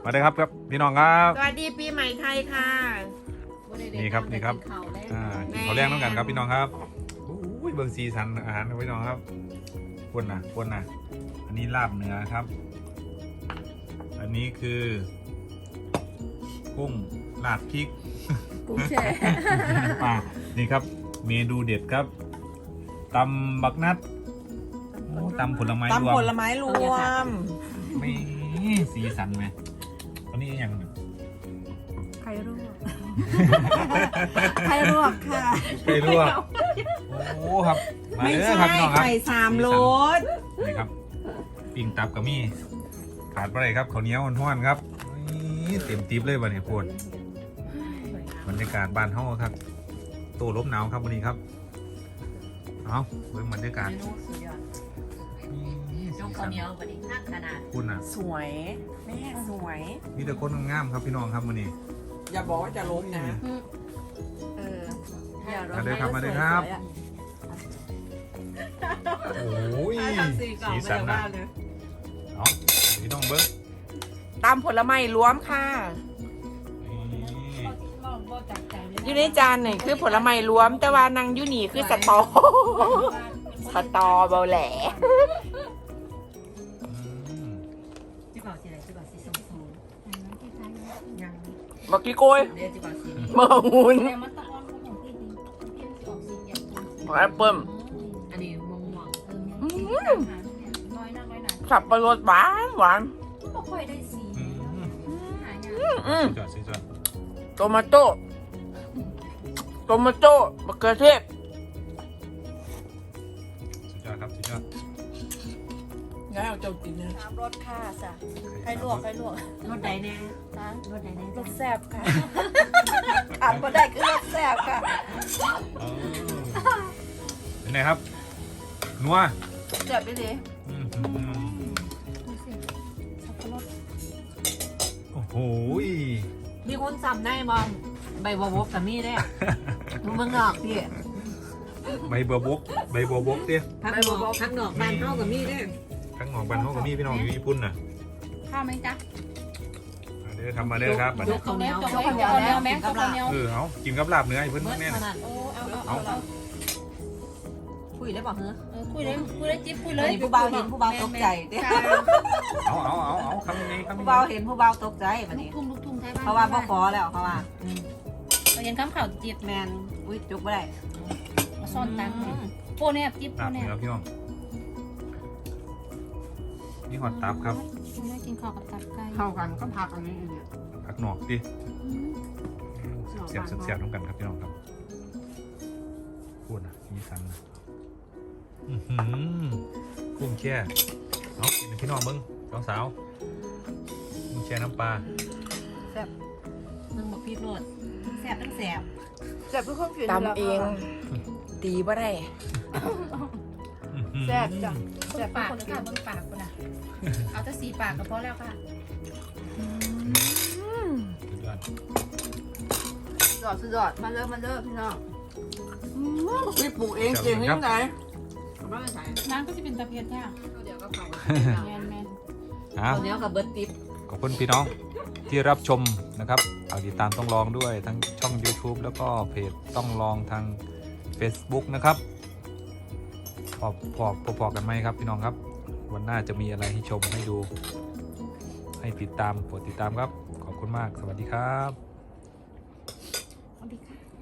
มาได้ครับพี่น้องครับสวัสดีปีใหม่ไทยค่ะนี่ครับกินข้าวแรงน้ำกันครับพี่น้องครับอุ้ยเบิ่งสีสันอาหารพี่น้องครับคนนะอันนี้ลาบเนื้อครับ อันนี้คือกุ้งลาดพริกกุ้งแช่ปลานี่ครับเมนูเด็ดครับตำบักนัดตำผลไม้รวมตำผลไม้รวมไม่สีสันไหมอันนี้อย่างไข่ลวกไข่ลวกค่ะไก่ลวกโอ้ครับมาไม่เด้อใช่ครับพี่น้องครับไข่สามรสนี่ครับปิ้งตับกับมี่ขาดไปเลยครับข้าวเหนียวห้อนๆครับนี่เต็มติ๊บเลยวันนี้ปวดบรรยากาศบ้านเฮาครับโต้ลมหนาวครับวันนี้ครับเอาเบิ่งบรรยากาศยกข้าวเหนียววันนี้นักขนาดคุณอ่ะสวยแม่สวยมีแต่คนงามๆครับพี่น้องครับวันนี้อย่าบอกว่าจะล้มนะมาเลยครับมาเลยครับโอ้ยสีสันนะเอาพี่น้องเบิ้งตำผลไม้รวมค่ะนี่อยู่ในจานนี่คือผลไม้รวม แต่ว่านางยูนี่คือสตอเบาแหล่จิบอกสีอะไรจิบอกสีส้มๆยังบักกี้โกยเดี๋ยวจิบอกสีเมืองหุ่นแต่มันตะออนของพี่ดีพี่จะออกสีแดงแอปเปิ้ลอันนี้ม่วงน้อยนักน้อยหนาสับปะรดหวานหวานไม่ค่อยได้สีหายากสุดยอดโตมาโต้มะเขือเทศสุดยอดครับสุดยอดง่ายเอาเจ้ากินนะน้ำรสค่ะจ้ะใครลวกรถใดแน่รถใดแน่รสแซ่บค่ะขาดก็ได้คือรสแซ่บค่ะเป็นไงครับนัวแซ่บไปเลยสับปะรดโอ้โหมีคนจำได้บอมใบบัวบกกับมีได้มึงเมืองนอกพี่ใบบัวบกเตี้ยพักนอกบ้านเท่ากับมีได้ข้างหอกบันเขากับพี่น้องอยู่ญี่ปุ่นน่ะข้าวไหมจ๊ะมาเด้อทำมาเด้อครับบัดยนี้กข้าวเหนียวข้าวเหนียวแม่ข้าวเหนียวเอากินกับลาบเนื้อไอ้เพิ่นเมื่อแน่เท่านั้นโอ้เอาคุยได้บอกเหรอคุยเลยจิ๊บคุยเลยผู้เบาเห็นผู้เบาตกใจเด้เอาคำนี้ผู้เบาเห็นผู้เบาตกใจแบบนี้ลูกทุ่งไทยบ้านเพราะว่าพ่อขอแล้วเพราะว่าเราเห็นคำข่าวจิ๊บแมนอุ้ยจุกไม่ได้มาซ่อนตังค์โปเนี่ยจิ๊บโปลาบเนี่ยเนื้อพี่น้องนี่หอดตับครับแม่กินข้าวกับตับไก่เข้ากันก็พักอันนี้เนี่ยผักหนอกดิเสียบน้ำกันครับพี่น้องครับพูดนะมีสันนะกุ้งแช่เอากินพี่น้องเบิ้งสาวกุ้งแช่น้ำปลานึ่งบักพีดโรดแสบตั้งแสบแซ่บเพื่อความผิวตำเองตีบ่ได้แซ่บจ้ะแซ่บปากคนค่ะเบิ่งปากคนน่ะเอาแต่สีปากก็พอแล้วค่ะสุดยอดมาเริ่มพี่น้องพี่ปลูกเองเก่งยังไงไม่ใช่น้ำก็จะเป็นตะเพียนใช่ไหมเดี๋ยวก็ไปแมนตัวนี้กับเบิร์ตติ๊บขอบคุณพี่น้องที่รับชมนะครับฝากติดตามต้องลองด้วยทั้งช่อง YouTube แล้วก็เพจต้องลองทาง Facebook นะครับพอกันไหมครับพี่น้องครับ วันหน้าจะมีอะไรให้ชมให้ดู ให้ติดตามกดติดตามครับ ขอบคุณมากสวัสดีครับสวัสดีค่ะ